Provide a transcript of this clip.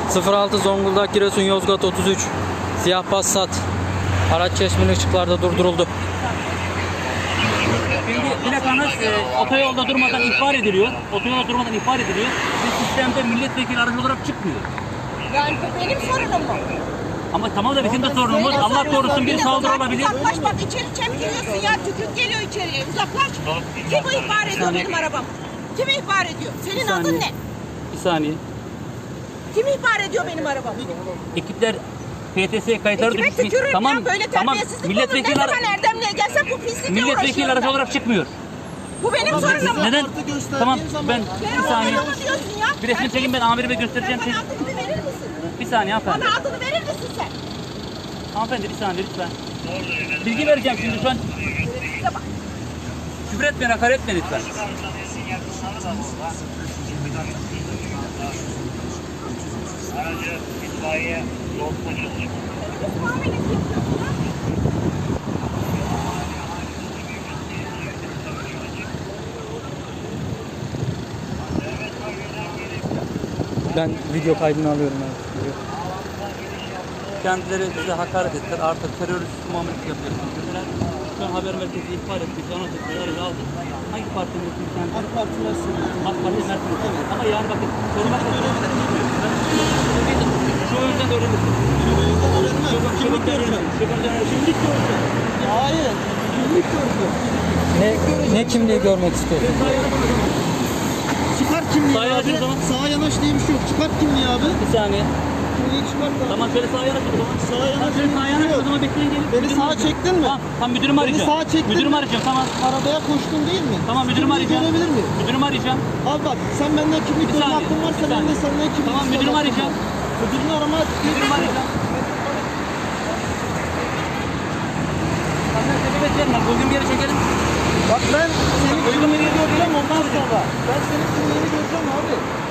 06 Zonguldak Giresun Yozgat 33 siyah Passat. Araç Çeşmeli ışıklarda durduruldu. Şimdi plakanız otoyolda durmadan ihbar ediliyor. Otoyolda durmadan ihbar ediliyor. Ve sistemde milletvekili aracı olarak çıkmıyor. Yani bu benim sorunum mu? Ama tamam da bizim de sorunumuz. Allah korusun bir saldırı olabilir. Uzaklaş bak, içeri çemkiriyorsun ya. Tükürük geliyor içeriye. Uzaklaş. Kim bu ihbar ediyor benim arabam? Kim ihbar ediyor? Senin adın ne? Bir saniye. Kim ihbar ediyor benim arabamı? Ekipler PTS kayıtları Kime düşmüş. tükürürüm Tamam, ya, böyle tamam. terbiyesizlik Milletvekili olur. Ne zaman Erdemli'ye gelsem bu pislikle milletvekili uğraşıyorum aracı ben. olarak çıkmıyor. Bu benim sorunum mu? Neden? Tamam ben Ben bir saniye. oğlum diyorsun ya. Bir resmi çekin, ben amirime göstereceğim. Sen bana adını bir verir misin? Bir saniye hanımefendi. Bana adını verir misin sen? Hanımefendi bir saniye lütfen. Bilgi vereceğim şimdi şu an. Size bak. Küfür etmeyin, hakaret etmeyin lütfen. Aracı itfaiye yol polis. Muamelesi yapıyorsun ha? Ben video kaydını alıyorum abi. Kendileri bize hakaret ettiler. Artık terörist muamelesi yapıyorsunuz dediler. Şu an haber merkezi ihbar ettik. Anons ettik. Aracı aldık. Hangi partinin mensubuyuz kendisi? AK Parti mensubuyuz. AK Parti mensubuyuz. Evet. Ama yani bakın sormak öğrenebilir miyim? Şu yüzden öğrenirsiniz. Kimlik göreceğim. Kimlik göreceğim. Hayır. Kimlik göreceğim. Ne kimliği görmek istiyorsun? Çıkar kimliği Sağa yanaş abi. o zaman. Sağa yanaş diye bir şey yok. Çıkart kimliği abi. Bir saniye. Kimliği çıkart abi. Tamam şöyle sağa yanaş o zaman. Sağa yanaş Şöyle sağa diye bir yanaş şey o yok. zaman bekleyin gelin. Beni sağa çektin mi? Tamam müdürümü arayacağım. sağa çektin Müdürümü mi? arayacağım tamam. Arabaya koştun değil mi? Tamam müdürümü Kimliği arayacağım. görebilir miyim? Müdürümü arayacağım. Abi bak sen benden kimlik Bir görme saniye, hakkın varsa bir ben de saniye. senden kimlik Tamam, isteme müdürümü hakkım arayacağım. var. Müdürünü arama. Müdürümü arayacağım. Sen sebebiyet verme. Bugün bir yere çekelim. Bak ben senin Uygun bir yere kimliğini göreceğim çekelim. ondan sonra. Ben senin kimliğini göreceğim abi.